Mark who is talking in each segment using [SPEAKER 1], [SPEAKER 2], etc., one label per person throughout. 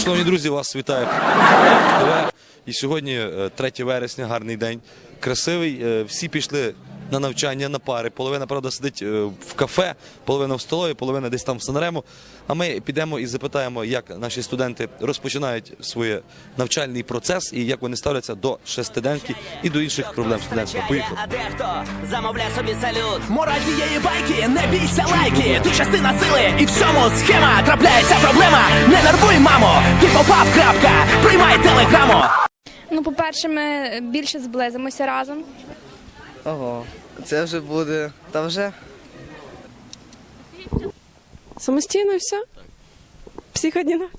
[SPEAKER 1] Шановні друзі, вас вітає ТВ. І сьогодні 3 вересня, гарний день, красивий. Всі пішли на навчання, на пари. Половина, правда, сидить в кафе, половина в столові, половина десь там в Санремо. А ми підемо і запитаємо, як наші студенти розпочинають свій навчальний процес і як вони ставляться до шестиденки і до інших проблем студентства. Поїхали.
[SPEAKER 2] А дехто замовляє собі салют. Мораль цієї байки, не бійся лайки. Ти частина сили і всьому схема. Трапляється проблема, не нервуй, мамо. Ти попав, крапка, приймай телеграму.
[SPEAKER 3] Ну, по-перше, ми більше зблизимося разом.
[SPEAKER 4] Ого, це вже буде, та вже.
[SPEAKER 5] Самостійно і все? Психодіночка.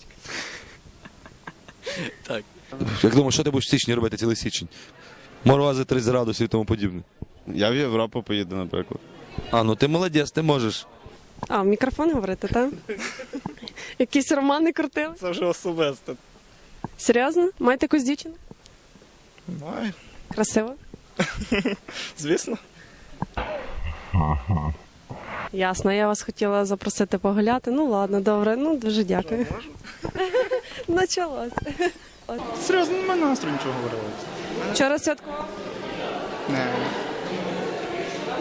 [SPEAKER 1] Так. Як думаєш, що ти будеш в січні робити цілий січень? Морози 30 градусів і тому подібне.
[SPEAKER 6] Я в Європу поїду, наприклад.
[SPEAKER 1] А, ну ти молодець, ти можеш.
[SPEAKER 5] А, в мікрофон говорити, так? Якісь романи крутили?
[SPEAKER 6] Це вже особисто.
[SPEAKER 5] Серйозно? Маєте якусь дівчину?
[SPEAKER 6] Май,
[SPEAKER 5] Красиво?
[SPEAKER 6] звісно.
[SPEAKER 5] Ясно, я вас хотіла запросити погуляти. Ну ладно, добре, ну дуже дякую. Началось.
[SPEAKER 6] Серйозно, немає настрою нічого говорити.
[SPEAKER 5] Вчора святкував?
[SPEAKER 6] Не.